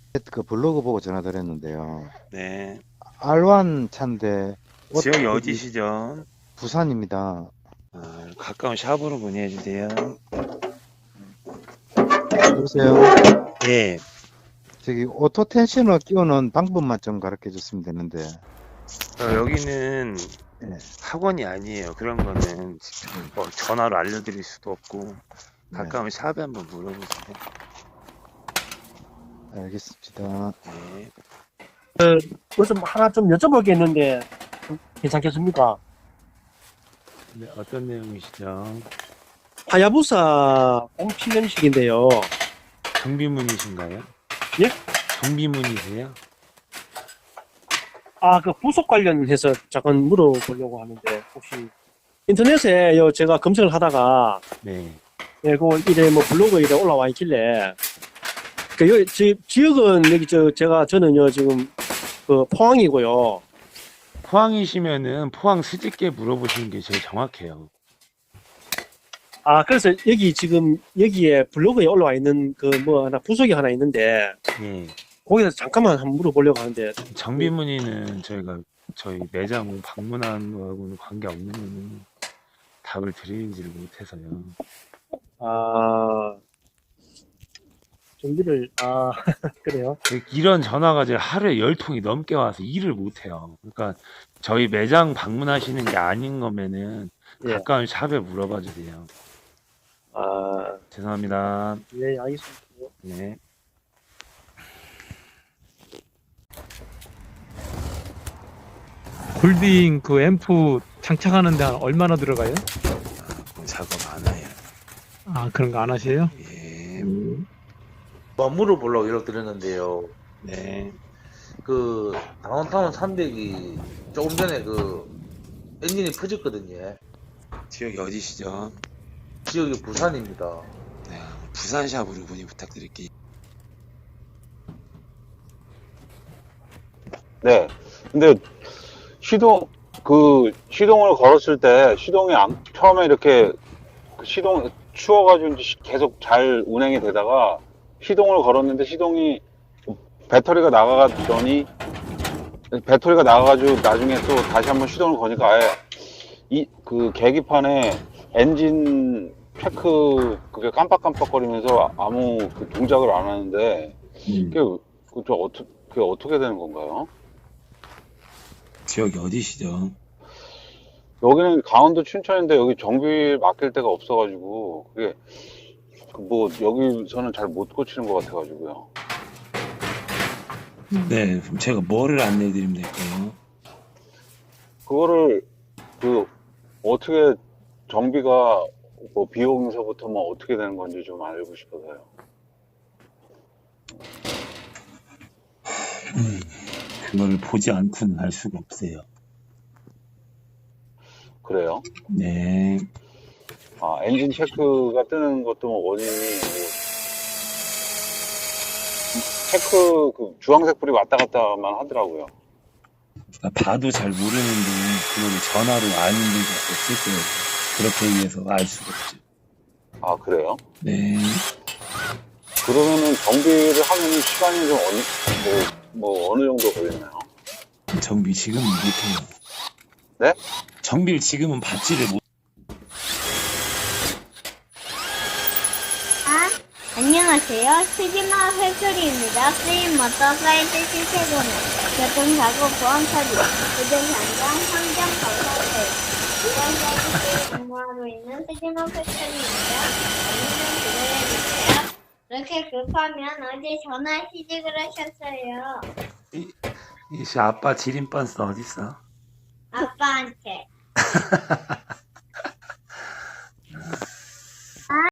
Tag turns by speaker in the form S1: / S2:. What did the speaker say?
S1: 그 블로그 보고 전화드렸는데요.
S2: 네.
S1: R1 차인데
S2: 지역이
S1: 여기
S2: 어디시죠?
S1: 부산입니다.
S2: 가까운 샵으로 문의해 주세요.
S1: 여보세요.
S2: 예.
S1: 저기 오토 텐셔너 끼우는 방법만 좀 가르쳐 줬으면 되는데.
S2: 여기는
S1: 예,
S2: 학원이 아니에요. 그런 거는 직접 뭐 전화로 알려드릴 수도 없고
S1: 네,
S2: 가까운 샵에 한번 물어보세요.
S1: 알겠습니다.
S2: 네.
S3: 무슨 하나 좀 여쭤볼 게 있는데 좀 괜찮겠습니까?
S2: 네, 어떤 내용이시죠?
S3: 하야부사 공필름식인데요.
S2: 정비문이신가요?
S3: 예?
S2: 정비문이세요?
S3: 그 부속 관련해서 잠깐 물어보려고 하는데 혹시 인터넷에 제가 검색을 하다가
S2: 네.
S3: 이래 뭐 블로그에 이래 올라와 있길래 지역은 여기 저는요 지금 그 포항이고요.
S2: 포항이시면은 포항 수직계 물어보시는 게 제일 정확해요.
S3: 그래서 여기 지금 여기에 블로그에 올라와 있는 그 뭐 하나 부속이 하나 있는데
S2: 예.
S3: 거기서 잠깐만 한번 물어보려고 하는데
S2: 정비문의는 저희 매장 방문한 거하고는 관계없는 거는 답을 드리지를 못해서요.
S3: 준비를 그래요?
S2: 이런 전화가 이제 하루에 10통이 넘게 와서 일을 못해요. 그러니까 저희 매장 방문하시는 게 아닌 거면은
S3: 예.
S2: 가까운 샵에 물어봐 주세요. 죄송합니다.
S3: 예, 알겠습니다.
S2: 네.
S4: 골딩 그 앰프 장착하는데 한 얼마나 들어가요?
S2: 작업 안 해요.
S4: 그런 거 안 하세요?
S2: 예.
S5: 뭐 물어보려고 연락드렸는데요.
S2: 네.
S5: 그 다운타운 300이 조금 전에 그 엔진이 퍼졌거든요.
S2: 지역이 어디시죠?
S5: 지역이 부산입니다.
S2: 네. 부산샵으로 문의 부탁드릴게요.
S6: 네. 근데 시동을 걸었을 때 처음에 이렇게 추워가지고 계속 잘 운행이 되다가 시동을 걸었는데 배터리가 나가가지고 나중에 또 다시 한번 시동을 거니까 아예 그 계기판에 엔진 그게 깜빡깜빡거리면서 아무 그 동작을 안 하는데 그게 어떻게 되는 건가요?
S2: 지역이 어디시죠?
S6: 여기는 강원도 춘천인데 여기 정비 맡길 데가 없어가지고 그게 뭐 여기서는 잘 못 고치는 것 같아가지고요.
S2: 네. 그럼 제가 뭐를 안내해 드리면 될까요?
S6: 그거를 어떻게 정비가 뭐 비용서부터 뭐 어떻게 되는 건지 좀 알고 싶어서요.
S2: 그걸 보지 않고는 알 수가 없어요.
S6: 그래요?
S2: 네.
S6: 엔진 체크가 뜨는 것도 뭐 원인이 그 주황색 불이 왔다 갔다만 하더라고요.
S2: 봐도 잘 모르는데 그걸 전화로 아는 게 없을 거예요. 그렇게 얘기해서 알 수가 없죠.
S6: 그래요?
S2: 네.
S6: 그러면은 정비를 하면은 시간이 좀 어느 정도 걸리나요?
S2: 정비 지금은 못해요.
S6: 네?
S2: 정비를 지금은 받지를 못.
S7: 안녕하세요. 스지마 회수리입니다. 쓰임 모터사이트 시세금은 교통사고 보험처리, 부정상장, 환경검사세 이런 서비스를 근무하고 있는 스지마 회수리입니다. 안녕 기다려주세요. 이렇게 급하면 어제 전화하시지 그러셨어요.
S2: 이씨 아빠 지린번스 어딨어?
S7: 아빠한테.